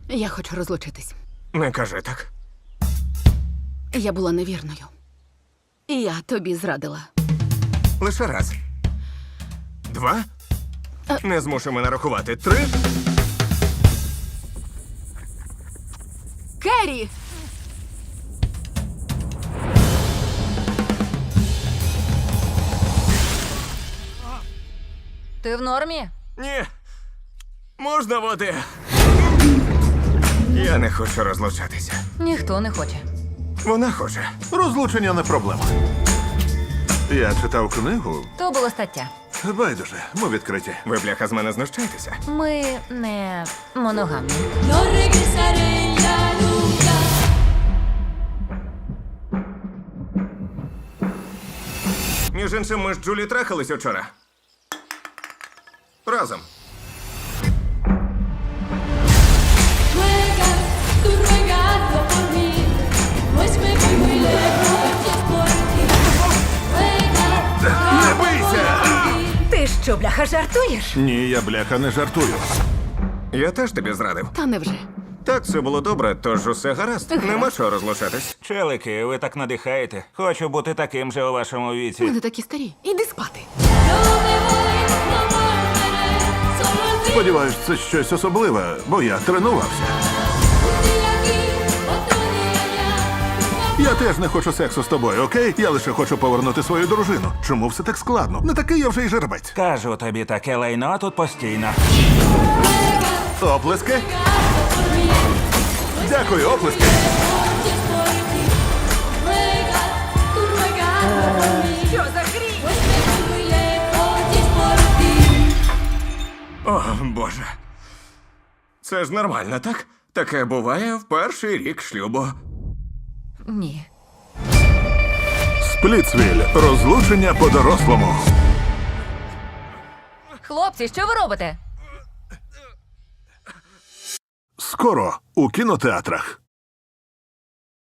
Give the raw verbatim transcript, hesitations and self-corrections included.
Я хочу розлучитись. Не кажи так. Я була невірною. І я тобі зрадила. Лише раз. Два. Не змушуй мене рахувати. Три. Керрі! Ти в нормі? Ні. Можна води? Я не хочу розлучатися. Ніхто не хоче. Вона хоче. Розлучення не проблема. Я читав книгу. То було стаття. Байдуже, ми відкриті. Ви, бляха, з мене знущаєтеся? Ми не моногамні. No regresaré ya nunca. Між іншим, ми з Джулі трахались вчора. Разом. Ruegas, tú ruegando por mí. Pues me voy muy lejos y es por ti. Ruegas, Не бийся! Ти що, бляха, жартуєш? Ні, я бляха не жартую. Я теж тобі зрадив. Та невже? Так, все було добре, тож усе гаразд. Нема чого розлучатись. Челики, ви так надихаєте. Хочу бути таким же у вашому Ми віці. не такі старі. Іди спати. no me voy, no volveré. Solo el fin. Сподіваюсь, це щось особливе, бо я тренувався. Un día aquí, otro día allá. Я теж не хочу сексу з тобою, окей? Я лише хочу повернути свою дружину. Чому все так складно? Не такий я вже й жеребець. Кажу тобі, таке лайно тут постійно. Оплески. Дякую, оплески. Y es por ti. Ruegas, tú ruegando por mí. Що за гріх? Pues me voy muy lejos y es por ti. О, Боже. Це ж нормально, так? Таке буває в перший рік шлюбу. Ні. Сплітсвіль. Розлучення по-дорослому. Хлопці, що ви робите? Скоро у кінотеатрах.